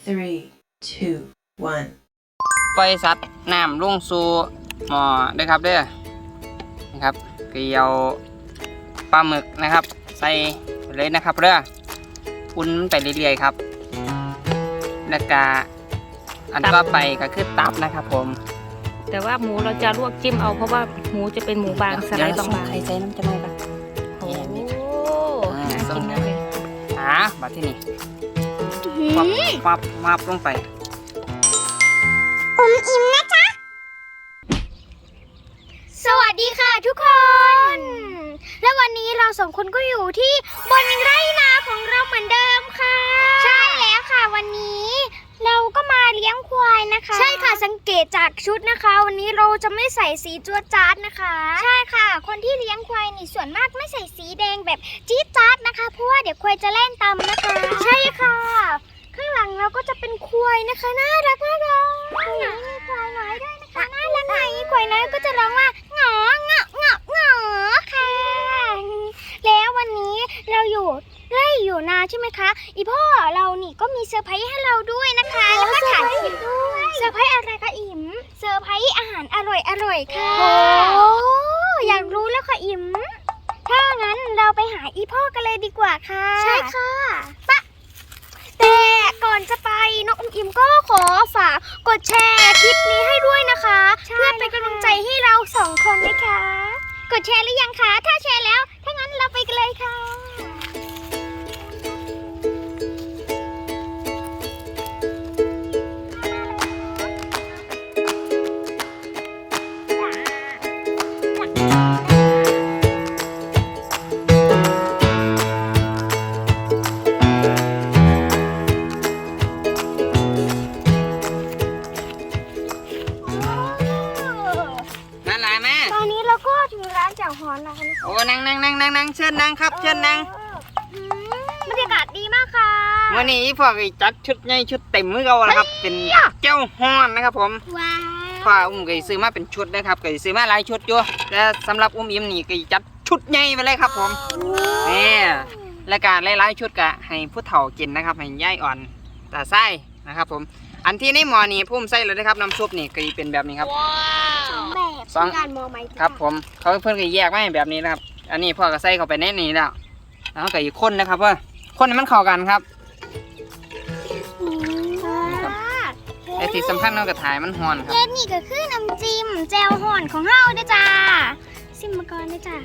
3, 2, 1. ปล่อยสัตว์น้ำลงสู่หม้อเด้อครับเด้อนะครับเกลียวปลาหมึกนะครับใส่ไปเลยนะครับเด้ออุ่นไปเรื่อยๆครับแล้วก็อันต่อไปก็คือตับนะครับผมแต่ว่าหมูเราจะลวกจิ้มเอาเพราะว่าหมูจะเป็นหมูบางสไลด์บางใครใส่น้ำจะได้ปะๆโอ้น่ากินมากเลยมาที่นี่ปับลงไปสวัสดีค่ะทุกคน และวันนี้เราสองคนก็อยู่ที่บนไร่นาของเราเหมือนเดิมค่ะ ใช่แล้วค่ะวันนี้เราก็มาเลี้ยงควายนะคะ ใช่ค่ะสังเกตจากชุดนะคะ วันนี้เราจะไม่ใส่สีจั๊วจ๊าดนะคะ ใช่ค่ะ คนที่เลี้ยงควายนี่ส่วนมากไม่ใส่สีแดงแบบจี๊ดจ๊าดนะคะเพราะว่าเดี๋ยวควายจะเล่นตามนะคะ ใช่ค่ะ ข้างหลังเราก็จะเป็นควายนะคะน่ารักมากเลยมีควายน้อยด้วยนะคะน่ารักไหนควายน้อยก็จะร้องว่าหงอค่ะ แล้ววันนี้เราไร่อยู่นาใช่ไหมคะอีพ่อเรานี่ก็มีเซอร์ไพรส์ให้เราด้วยนะคะแล้วก็ถ่ายคลิปด้วยเซอร์ไพรส์อะไรคะอิ๋มเซอร์ไพรส์อาหารอร่อยค่ะโอ้อยากรู้แล้วค่ะอิ๋มถ้างั้นเราไปหาอีพ่อกันเลยดีกว่าค่ะใช่ค่ะปะแต่ก่อนจะไปน้องอิ๋มก็ขอฝากกดแชร์คลิปนี้ให้ด้วยนะคะเพื่อเป็นกำลังใจให้เราสองคนนะคะกดแชร์หรือยังคะถ้าแชร์แล้วถ้างั้นเราไปกันเลยค่ะนั่นแหละแม่ตอนนี้เราก็ถึงร้านแจ่วฮอนแล้วนะคะโอ้นั่งเชิญนั่งครับเชิญนั่งบรรยากาศดีมากค่ะวันนี้พ่อก็จัดชุดใหญ่ชุดเต็มมือเราแล้วครับเป็นเจ้าฮ้อนนะครับผมว้าวพ่อก็ซื้อมาเป็นชุดนะครับก็ซื้อมาหลายชุดอยู่แต่สำหรับอิ่มนี่ก็จัดชุดใหญ่ไปเลยครับผมนี่และการหลายๆชุดก็ให้ผู้เฒ่ากินนะครับให้ย่ายอ่อนตาไส้นะครับผมอันที่ในหม้อนี่พุ่มไส้เลยนะครับน้ำซุปนี่ก็เป็นแบบนี้ครับสองแบบสองการมองไหมครับผมเขาเพิ่นก็แยกมาให้แบบนี้นะครับอันนี้พ่อก็ใส่เข้าไปในนี้แล้วแล้วก็อีกคนนะครับว่าคนให้มันเข้ากันครับแต่ที่สำคัญเราก็ถ่ายมันฮ้อนครับเย็นนี่ก็คือน้ำจิ้มแจ่วฮอนของเฮาเด้อจ้าซิมมาก่อนเด้อจ้า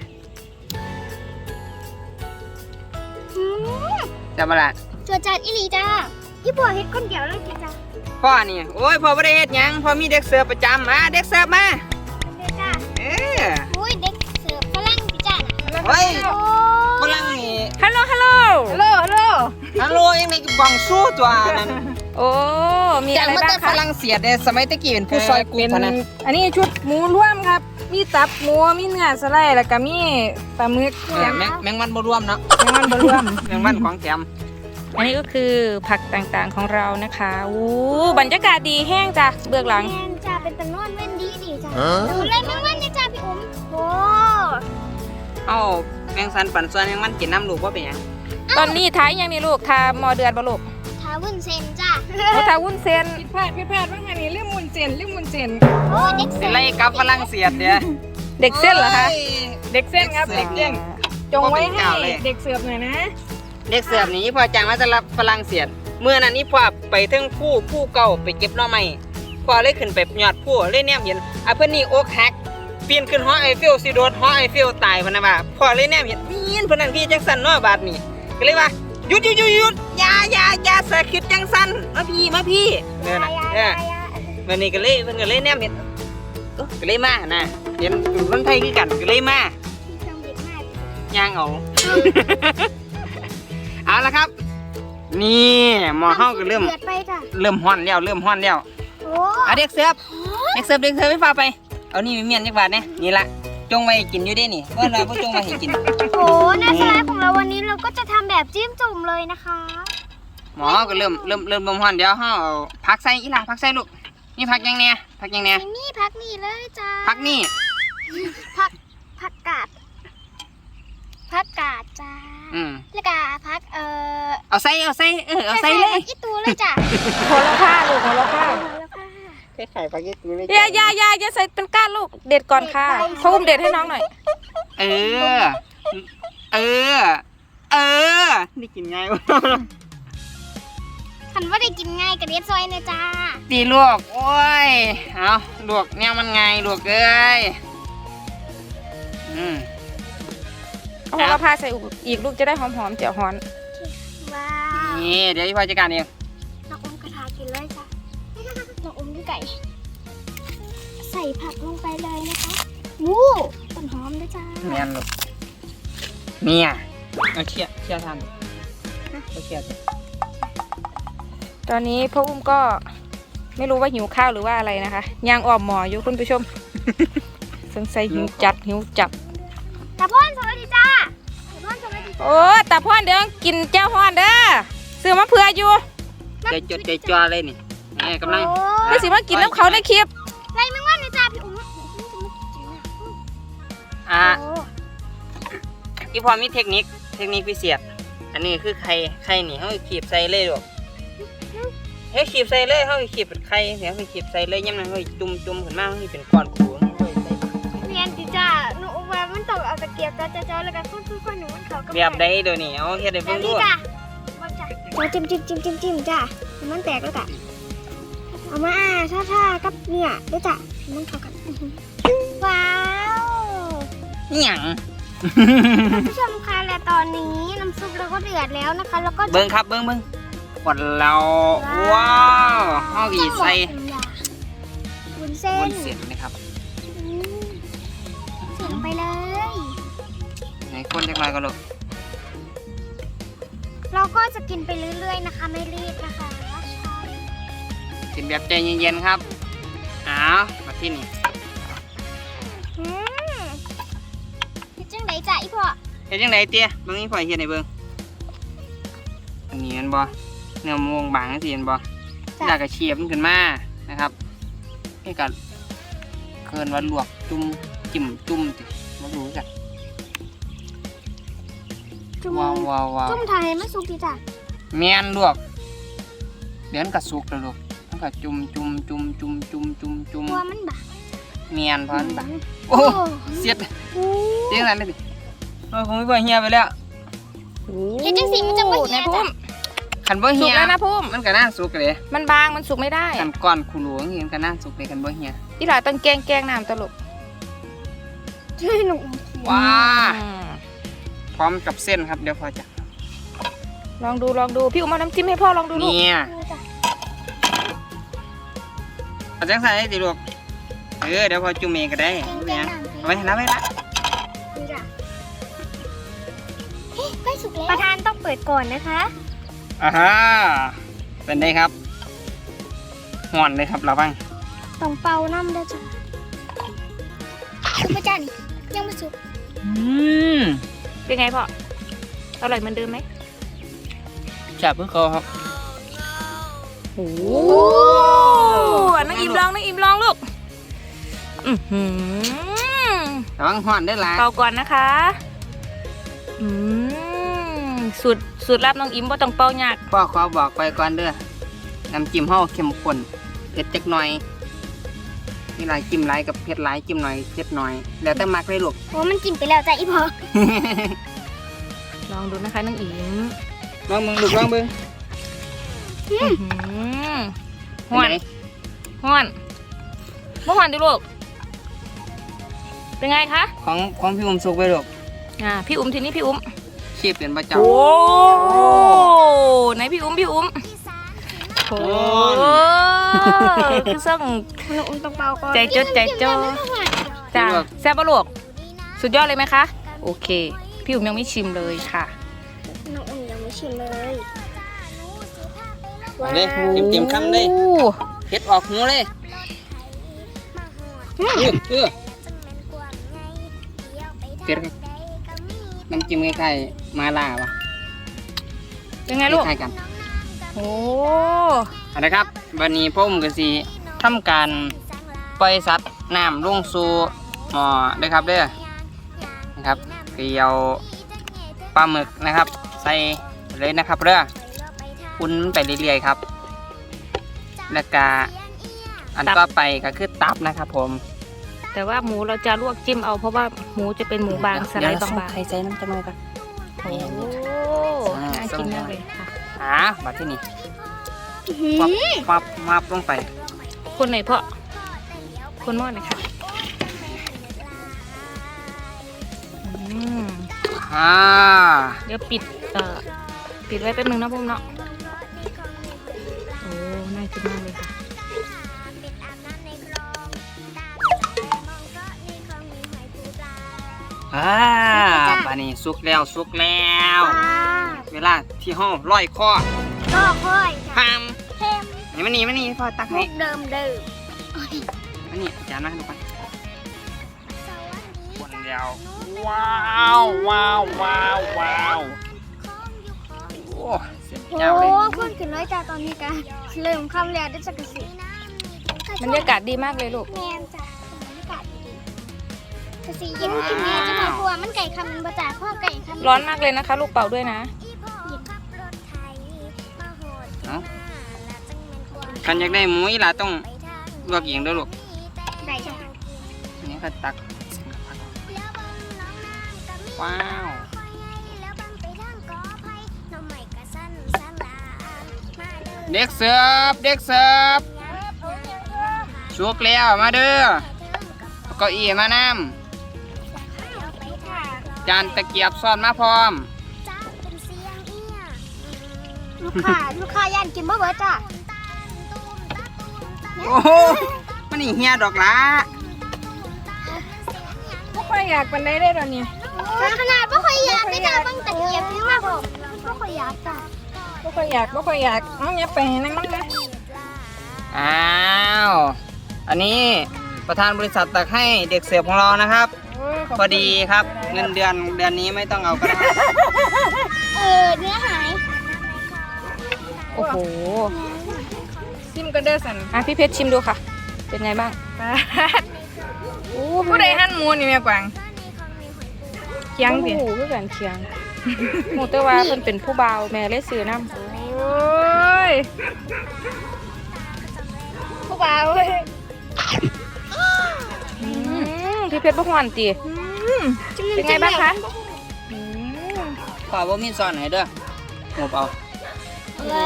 อืมจะมาละจัวจัดอีหลีจ้าพี่บัวเฮ็ดคนเดียวเลยจ้าพ่อนี่โอ้ยพ่อไม่ได้เฮ็ดหยังพ่อมีเด็กเสิร์ฟประจำมาเด็กเสิร์ฟมาเด้อจ้าเอออุ้ยเด็กเสิร์ฟฝรั่งพี่จ้าน่ะเฮ้ยโอ้ฝรั่งนี่ฮัลโหลฮัลโหลยังในกล่องสู้ตัวนั้นโอ้มีจาอะกไรมาบ้าแต่งฝคะรั่งเศสเนี่ยสมัยตะกี้เป็นผู้ซอยกูเป็นเท่านั้นอันนี้ชุดหมูร่วมครับ มีตับหมู มีเนื้อสไลด์แล้วก็มีปลาหมึกแมงมันบ่รวมเนาะยังมันบรวมแมงมันของแถมอันนี้ก็คือผักต่างๆของเรานะคะอู้บรรยากาศดีแห้งจ้ะเบื้องหลังแม่นจ้าเป็นตะนอนเว้นดีจ้าเล่นแม่งวันเนี่ยจ้าพี่อุ้มโอ้เอ้าแมงสันปั่นส่วนแมงมันกินน้ำลูกว่าเป็นหยังตอนนี้ท้ายยังนี่ลูกทาหมอเดือนบ่ลูกทาวุ้นเส้นจ้าโอ้ทาวุ้นเส้นผิดพลาดว่าไงนี่เรื่องมุนเจนโอ้เด็กสิเส้นไล่กลับฝรั่งเศสเดี๋ยวเด็กเส้นเหรอคะโยเด็กเส้นครับ เด็กเส้น จงไว้ให้บ่เป็นเจ้าเลยเด็กเสิร์ฟหน่อยนะเด็กเสิร์ฟนี่พ่อจ้างมาสำหรับฝรั่งเศสเมื่อนั้นนี่พ่อไปถึงผู้เก่าไปเก็บหน่อไม้พ่อเลยขึ้นไปยอดผู้เลยแนมเห็นเพิ่นนี่อกหักปีนขึ้นหอไอเฟลสิโดดหอไอเฟลตายพะนะว่าพ่อเลยแนมเห็นมีนเพิ่นนั่นพี่จังสันเนาะบาดนี้ก็เลยว่าหยุดอย่าสะคิดจังสันมาพี่เด้อน่ะวันนี้ก็เลยเพิ่นก็เลยแนมเห็นก็เลยมานะเห็นคนไทยคือกันก็เลยมาย่างเอา เอาละครับ นี่หมอเฮาก็เริ่มเดือดไปจ้ะฮ้อนแล้วโอ้เอาเด็กเสิร์ฟไม่ฟ้าไปเอานี่มีเมียนจักบาทเนี่ยนี่ละจงไว้กินอยู่เด้นี่เมื่อเราบ่จงไว้ให้กินโหหน้าสไลด์ของเราวันนี้เราก็จะทำแบบจิ้มจุ่มเลยนะคะหมอก็เริ่มฮ้อนเดี๋ยวเฮาเอาผักใส่อีหล่ะผักใส่ลูกนี่ผักยังเนี่ยนี่พักนี่เลยจ้าผักนี่ผักกาดจ้าแล้วก็พักเอาใส่เอาใส่เอาใส่เลยอีตูเลยจ้ะโหระพาลูกโหระพาไข่ปลาเก็ตตูเลยอย่าใส่เป็นก้านลูกเด็ดก่อนค่ะพ่ออุ้มเด็ดให้น้องหน่อยเออนี่กินง่ายวะคันว่าได้กินง่ายกับเด็ดซอยเนี่ยจ้าตีลวกโอ้ยเอาลวกเนี่ยมันไงลวกเอ้ยเอาโหระพาใส่อีกลูกจะได้หอมๆเจียวฮ้อนว้าวนี่เดี๋ยวพี่พลอยจัดการเองน้องอมกระทากินเลยจ้ะน้องอมด้วยไก่ ใส่ผักลงไปเลยนะคะวู้ต้นหอมด้วยจ้าแม่นลูกเนี่ยเอาเชี่ยทานเอาเชี่ยตอนนี้พ่ออุ้มก็ไม่รู้ว่าหิวข้าวหรือว่าอะไรนะคะย่างอ้อมหมออยู่คุณผู้ชม สงสัยหิวจัดตาพ่อนสวัสดีจ้าตาพ่อนสวัสดีโอ้ตาพ่อนเดี๋ยวกินแจ้วฮ้อนเด้อซื้อมาเผื่ออยู่ใจจดใจจ่อเลยนี่กำลังไม่สิมากินน้ำเขาในคลิปไรมึงว่าเนี่ยจ้าพี่อุ้มพี่พลอยมีเทคนิคพิเศษอันนี้คือไข่นี่เขาขีบใส่เลยลูกเฮ้ยขีบใส่เลยเขาขีบเป็นไข่เดี๋ยวเขาขีบใส่เลยยังไงเขาจุ่มขึ้นมาเขาเป็นก้อนกูเรียนดิจ้าหนูว่ามันต้องเอาตะเกียบจ้าแล้วก็ค่อยๆหนูมันเขาก็แบบใดเดี๋ยวนี้เอาเฮ็ดให้แบเบิ่บงดูนี้จ้ะว่าจ้ะจิ้มจ้ามันแตกแล้วจ้ะเอามาท่ากับเนี่ยด้วยจ้ะมันเข้ากันว้าวนี่หยังท่านผู้ชมคะและตอนนี้น้ำซุปเราก็เดือดแล้วนะคะแล้วก็เบิ่งครับเบิ่งขวดเราว้าวเฮาอีใส่วุ้นเส้นบนเสียนนะครับเสียลงไปเลยไหนคนจักหน่อยก็ลูกเราก็จะกินไปเรื่อยๆนะคะไม่รีบนะคะกินแบบใจเย็นๆครับอ้าวมาที่นี่คิดจังไหนจ้ะอีพ่อเฮ็ดจังไดเตี้ยเบิ่งนี่พ่อยเฮ็ดให้เบิ่งอันนี้เห็นบ่เนื้อม่วงบางจังซี่เห็นบ่แล้วก็เชียบมันขึ้นมานะครับนี่ก็เคินว่าลวกจุ่มจิ้มจุ่มติบ่รู้จักจุ่มว้าวจุ่มไทยมันสุกดีจ้ะแม่นลวกเดี๋ยวมันก็สุกแล้วลูกมันก็จุ่มตัวมันบางแม่นพอมันบางโอ้เสียดเสียงนั้นเลยดิโอ้ยคงไม่บ่เหี่ยไปแล้วเฮ็ดจังสีมันจะไม่เหี่ยนายพุ่จ้ะมคันบ่สุเหี่กยแล้วนะพุ่มมันก็น่าสุกเลยมันบางมันสุกไม่ได้คันก้อนคูหลวงนี่มันก็น่าสุกเลยคันบ่เหี่ยอีหลาต้องแกงน้ำตลกช่วยหนูว้าพร้อมกับเส้นครับเดี๋ยวพอจะลองดูพี่อุ้มเอาน้ำจิ้มให้พ่อลองดูลูกเนี่ยเอาจังใส่ดิลูกเดี๋ยวพอจุ่มเองก็ได้เนี่ยเอาไว้นะไว้ละใกล้สุกแล้วประธานต้องเปิดก่อนนะคะอ่าฮะเป็นไงครับห่อนเลยครับเราบ้างต้องเป่าน้ำด้วยจ้ะสุกไหมจ้ะนี่ยังไม่สุกเป็นไงพ่ออร่อยเหมือนเดิมไหมจับเพื่อเขาครับโอ้น้องอิมลองลูกระวังห่อนได้ละเป่าก่อนนะคะสูตรลับน้องอิมว่าต้องเป่ายากพ่อขอบอกไปก่อนเด้อน้ำจิ้มห่อเข้มข้นเผ็ดจักหน่อยมีหลายจิ้มหลายกับเผ็ดหลายจิ้มหน่อยเผ็ดหน่อยแล้วแต่มักเลยลูกโอ้มันกินไปแล้วจ้ะอีพ่อลองดูนะคะน้องอิมลองมึงลูกลองมึงห้อนบ่ห้อนดิลูกเป็นไงคะของพี่อุ้มสุกไปลูกพี่อุ้มทีนี้พี่อุ้มชีพเป็นประจำโอ้ไหนพี่อุ้มโอ้คือส่งน้องอุ้มต้องเป่าก่อนใจจดใจจ่อจ้าแซ่บปะลูกสุดยอดเลยไหมคะโอเคพี่อุ้มยังไม่ชิมเลยค่ะน้องอุ้มยังไม่ชิมเลยเลยจิ้มคำเลยเผ็ดออกหูเลยเผ็ดน้ำจิ้มคล้ายๆมาล่าวะยังไงลูกคล้ายกันโอ้เอาละครับวันนี้พ่อผมก็สิทำการปล่อยสัตว์น้ำลงสู่หม้อด้วยครับเด้อนะครับเกี่ยวปปลาหมึกนะครับ ใส่เลยนะครับเด้ออุ่นไปเรื่อยๆครับแล้วก็อันต่อไปก็คือตับนะครับผมแต่ว่าหมูเราจะลวกจิ้มเอาเพราะว่าหมูจะเป็นหมูบางสไลด์บางไข่ใส่น้ำจะมือกันๆโอ้น่ากินมากเลยค่ะมาที่นี่มับลงไปคนไหนเพาะคนหม้อหน่อยค่ะเดี๋ยวปิดไว้แป๊บนึงนะพุ่มเนาะโอ้น่ากินมากเลยค่ะปลานี่สุกแล้วเวลาที่ห้องร้อยคอก็ค่อยจ้ะพามเค็มนี่พ่อตักมุให้กเดิมนี่จานมาให้ดูกันคนเดียวว้าวโอ้เสียบโอ้เจ้าเลยคนขึ้นน้อยจ้าตอนนี้กันเริ่มคำแล้วได้สักสิบรรยากาศดีมากเลยลูกแมนจ้ะบรรยากาศดีกระสีเย็นกินแม่จะมากลัวมันไก่คำมันประจ่าพ่อไก่คำร้อนมากเลยนะคะ ลูกเป่าด้วยนะคันอยากได้หมูอีหล่ะต้องลวกเองเด้วยลูกได้จ้ะอันนี้ก็ตักว้าวเด็กเสิร์ฟสุกแล้วมาเด้อเก้าอี้มานำจานตะเกียบซ้อนมาพร้อมลูกค้าย่านกินบ่เบิดจ้ะโอ้โหมันนี่เฮียดอกละพวกเราอยากปันได้ได้ตอนนี้ขนาดบ่ค่อยอยากได้จ้ะบางตะเกียบนี่มากผมบ่ค่อยอยากจ้ะพวกเราอยากเอาอย่าไปนั่งมันนะอ้าวอันนี้ประธานบริษัทตักให้เด็กเสิร์ฟของเรานะครับ พอดีครับเงินเดือนนี้ไม่ต้องเอาก็ได้เนื้อหายโอ้โหซิมก็เด้อสันพี่เพชรชิมดูค่ะ เป็นไงบ้างผู้ใดหั่นหมูนี่แม่กวางเคียงสิโอ้โหคือกันเคียงหมูเตว่าเพิ่นเป็นผู้เบาวแม่เลยซื้อน้ำโอ้ยผู้บ่าวเว้ยพี่เพชรบ่หวานตีเป็นไงบ้างคะอืมขอบ่มีซ่อนให้เด้อหมูเอาโอ้โห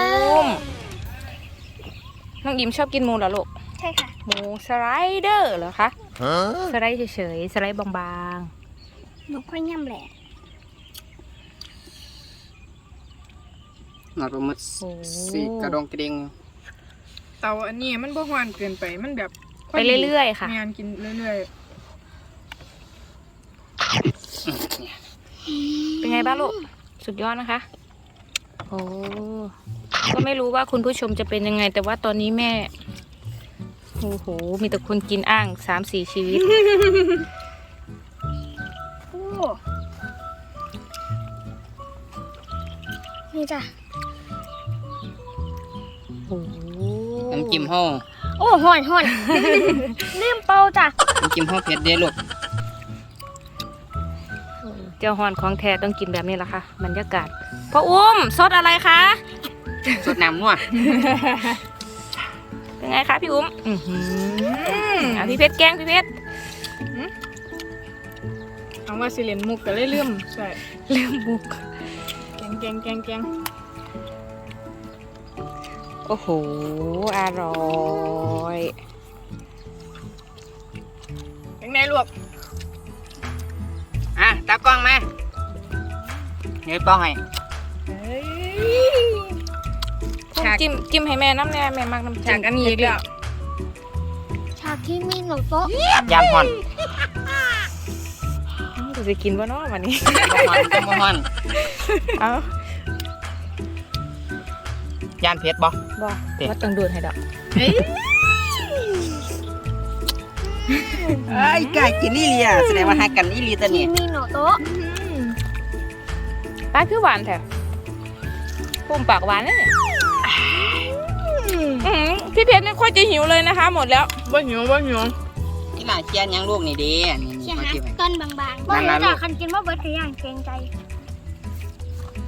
น้องอิมชอบกินหมูเหรอลูกใช่ค่ะหมูสไลเดอร์เหรอคะสไลด์เฉยๆสไลด์บางหนูค่อยย่ำแหละหน่อยประมาณสี่กระดองกระเดงเตาอันนี้มันบ่หวานเกินไปมันแบบๆไปเรื่อยๆค่ะงานกินเรื่อยเป็นไงบ้างลูก สุดยอดนะคะ โอ้ ก็ไม่รู้ว่าคุณผู้ชมจะเป็นยังไง แต่ว่าตอนนี้แม่ โอ้โห มีแต่คนกินอ่าง 3-4 ชีวิตโอ้นี่จ้ะโอ้โหน้ำจิ้มห้องโอ้ห่อน ลืมเป่าจ้ะน้ำจิ้มห้องเผ็ดเด้อลูกเจ้าฮอนของแท้ต้องกินแบบนี้แหละค่ะ บรรยากาศพ่ออุ้มซดอะไรคะสดน้ำนัวเป็นไงคะพี่อุ้มพี่เพชรแกล้งพี่เพชรๆเอาว่าสิเล่นมุกก็เลยลืมใช่เรื่องบุกแกงโอ้โห อร่อยเป็นไงลูกตากล้องมาเดี๋ยวป้องให้จิ้มให้แม่น้ำแน่แม่มักน้ำฉากอันนี้อีกแล้วฉากที่มีหนูโต๊ะยานห่อนจะไปกินบ่เนาะวันนี้บ่ห่อนเอ้ายานเผ็ดบ่บ่ว่าต้องดูดให้ดอกไอ้ไก่กินนี่เลียแสดงว่าหากันนี่ลีตัวที่นี้มีหนูโต๊ะปลาคือหวานแท้พุ่มปากหวานเลยเนี่ยพี่เพชรไม่ค่อยจะหิวเลยนะคะ หมดแล้วบ่หิวนี่หลานเชียนยังลูกนี่เด้นี่เชี่ยมาฮะจิ้มให้ต้นบางๆบ่นั่นรู้ล่ะจ้ะคันกินว่าเบิร์ดก็ย่างเกรงใจ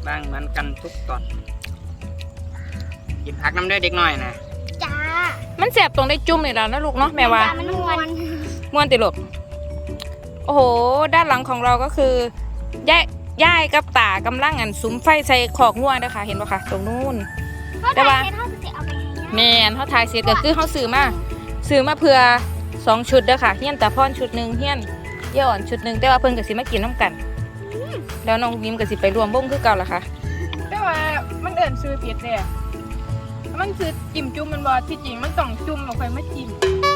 บางเหมือนกันทุกตอนหยิบผักน้ำด้วยเด็กน้อยนะจ้ามันแสบตรงได้จุ่มนี่แล้วนะลูกเนาะแม่ว่ามันม่วนม่วนติลูกโอ้โหด้านหลังของเราก็คือย่ายกับตากำลังสุมไฟใส่ขอกงัวนะคะเห็นปะคะตรงนู้น แต่ว่าเท่าจะเอาไปให้แมนเขาถ่ายเสร็จก็คือเขาซื้อมาเพื่อ2 ชุดเด้อค่ะเฮี้ยนตาพรชุดหนึ่งเฮี้ยนเยี่ยอ่อนชุดหนึ่งแต่ว่าเพิ่นก็สิมากินน้ำกันแล้วน้องยิ้มก็สิไปรวมวงคือเก่าละค่ะแต่ว่ามันเอิ้นซื้อผิดเลยมันซื้อจิ้มจุ่มมันบ่ที่จริงมันต้องจุ่มแล้วค่อยมาจิ้ม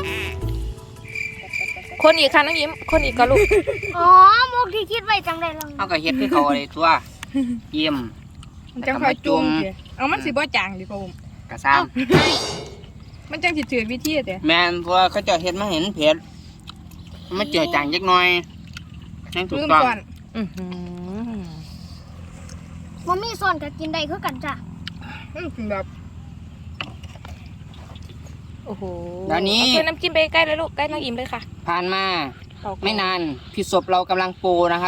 คนอีกค่ะน้องยิ้มคนอีกก็ลูกอ๋อมุกที่คิดไว้จังเลยลองเขาก็เฮ็ดคือเขาเลยทั่วเยี่ยมมันจังค่อยจุ่มเด้เอามันสิบ่จางดิพ่อผมกระซ้มันจังสิถือวิธีเด้ำแม่นเพราะว่าเขาเจะเฮ็ดมาเห็นเผ็ดมันเจือจางจักหน่อยนั่นถูกลืมต้องก่อนอื้อหือมันมีส่วนกับกินได้คือกันจ้ะแบบโอ้โหเดี๋ยวนี้เอาน้ำจิ้มไปใกล้เลยลูกใกล้น้องยิ้มเลยค่ะผ่านมาไม่นานพี่ศพเรากำลังโปรนะครับ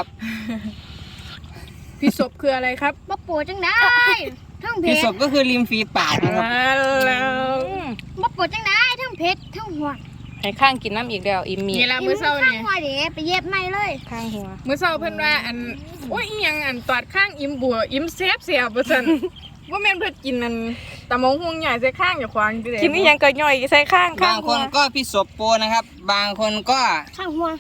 พี่ศพคืออะไรครับบ่ปวดจังได้ทั้งเผ็พี่ดศพก็คือริมฝีปากนะครับแล้วบ่ปวดจังได้ทั้งเผ็ดทั้งหัวให้ข้างกินน้ำอีกแล้วอิ่มมีนี่ละมื้อเช้าข้างนี่หัวเด้ไปเย็บใหม่เลยข้างหัวมื้อเช้าเพิ่นว่าโอ้ยอีหยังตอดข้างอิ่มบัวอิ่มแซ่บว่าซั่น ว่าแม่นเพิ่นกินตะมงหุงใหญ่ใส่ข้างอย่าควางดิเด้กินนี่ยังก็ย่อยใส่ข้างบางคนก็พี่ศพโปรนะครับ บางคนก็ข้างหัว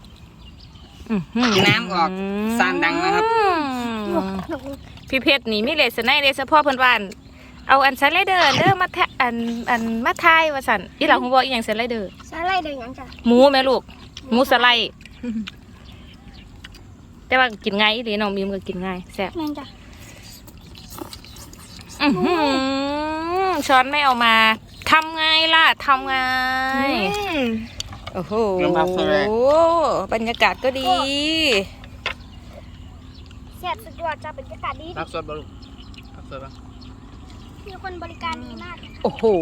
น้ำออกสานดังนะครับพี่เพชรนี่มีเลสไนเลสพ่อเพิ่นว่านเอาอันสไลเดอร์เด้อมาแทะอันมาทายว่าสั่นอีหลังฮู้บ่อีหยังสไลเดอร์ใส่อะไรเด้อหยังจ้ะหมูแม่ลูกหมูสไลด์แต่ว่ากินง่ายอีหลีน้องมีมก็กินง่ายแซ่บแม่นจ้ะอื้อหือช้อนไม่เอามาทำไงล่ะทำไงโอ้โหบรรยากาศก็ดีแซ่บสุดยอดจ้ะบรรยากาศดีรักสดบ่ลูกรักสดบ่มีคนบริการดีมากเลยค่ะโอ้โห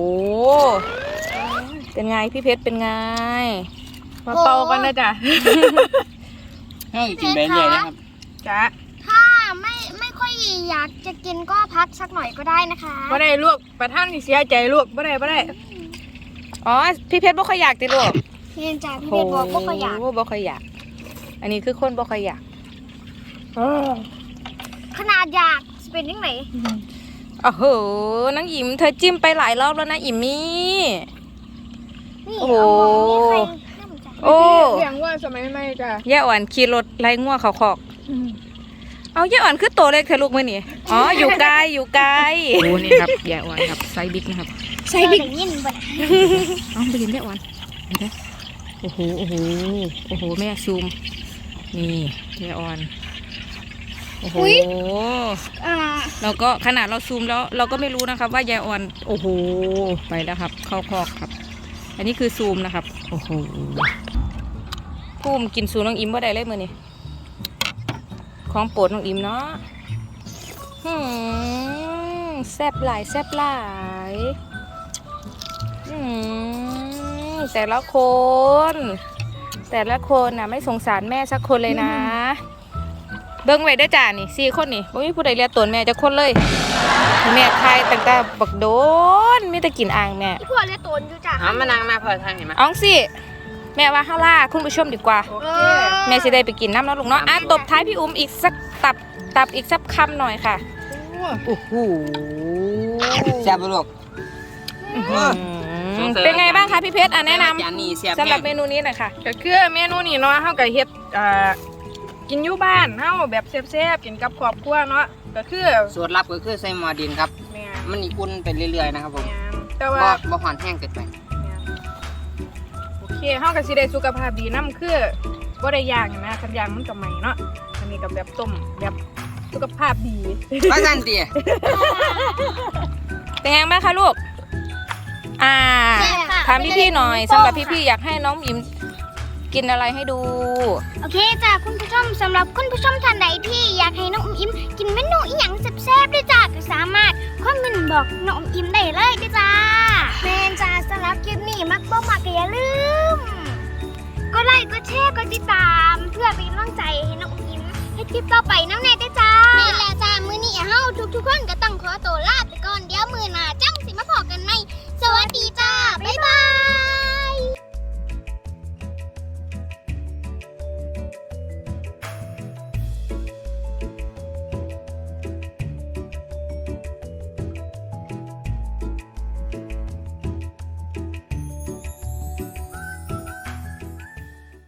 เป็นไงพี่เพชรเป็นไงมาเป่ากันนะจ๊ะให้กินไปเรื่อยนะครับจ๊ะถ้าไม่ค่อยอยากจะกินก็พักสักหน่อยก็ได้นะคะบ่ได้ลวกประท่านที่เสียใจลวกบ่ได้อ๋อพี่เพชรบ่ค่อยอยากติลูกเรียนจากพี่เด็กบอกว่าก็อยากโบ่ค่อยอยาก อันนี้คือคนบ่ค่อยอยากขนาดอยากจะเป็นยังไงโอ้โหน้องอิมเธอจิ้มไปหลายรอบแล้วนะอิมมี่นี่โอ้โหเอามองนี่ใครน่าสนใจโอ้เลี้ยงว่าสมัยใหม่จ้ะย่าอ่อนขี่รถไล่งัวเขาคอก เอาย่าอ่อนคือโตเล็กเธอลูกมื้อนี่อ๋ออยู่ไกลอยู่ไกลโอ้นี่ครับย่าอ่อนครับไซส์บิ๊กนะครับใส่บิ๊กยินบ่ได้เอาไปกินย่าอ่อนเห็นไหมโอ้โหโอ้โหโอ้โหแม่ซูมนี่ย่าอ่อนโอ้โหอ่าเราก็ขนาดเราซูมแล้วเราก็ไม่รู้นะครับว่ายายอ่อนโอ้โหไปแล้วครับเข้าคอกครับ อันนี้คือซูมนะครับโอ้โหพุ่มกินซูน้องอิมว่าได้เลยมือนี่ของโปรดน้องอิมเนาะแซ่บหลายแซ่บหลายแต่ละคนน่ะไม่สงสารแม่สักคนเลยนะ เบิ้งไว้เด้อจ้านี่4 คนนี่บ่มีผู้ใดเรียกตนแม่จะคนเลยแม่ทายตั้งแต่บักโดนมีแต่กินอ่างแม่พี่พวกเรียกตนอยู่จ้ะเอามานั่งมาพอทางเห็นไหมเอ้องสิแม่ว่าเฮาล่าคุณผู้ชมดีกว่าโอเอเคอแม่สิได้ไปกินน้ำเนาะลูกเนาะอ่ะตบท้ายพี่อุ้มอีกสักตับอีกสักคำหน่อยค่ะโอ้โหแซ่บบ่ลูกเป็นไงบ้างคะพี่เพชรแนะนจานนี้แซ่บำสำหรับเมนูนี้หน่อยค่ะก็คือเมนูนี้เนาะเฮาก็เฮ็ดกินอยู่บ้านเฮาแบบแซ่บๆกินกับครอบครัวเนาะก็คือสูตรลับก็คือใส่หม้อดินครับแม่มันอีอุ่นไปเรื่อยๆนะครับผมแต่บ่ว่าบ่ฮ้อนแห้งเกินไปโอเคเฮาก็สิได้สุขภาพดีนำคือบ่ได้ย่างนะคันย่างมันก็ใหม่เนาะอันนี้ก็แบบต้มแบบสุขภาพดีว่าซั่นติเป็นไงบ้างคะลูกถามพี่ๆหน่อยสำหรับพี่ๆอยากให้น้องอิมกินอะไรให้ดูโอเคจ้ะคุณผู้ชมสำหรับคุณผู้ชมท่านใดที่อยากให้น้องอมยิ้มกินเมนูอีหยังแซ่บๆด้วยจ้ะก็สามารถคอมเมนต์บอกน้องอมยิ้มได้เลยด้วยจ้าแม่นจ้าสำหรับคลิปนี้มักบ่มักก็อย่าลืมกดไลค์กดแชร์กดติดตามเพื่อเป็นกำลังใจให้น้องอมยิ้มให้คลิปต่อไปน้ำแน่ได้จ้าแม่แล้วจ้ามื้อนี้เฮาทุกคนก็ต้องขอตัวลาไปก่อนเดี๋ยวมื้อหน้าจังสิมาพอกันใหม่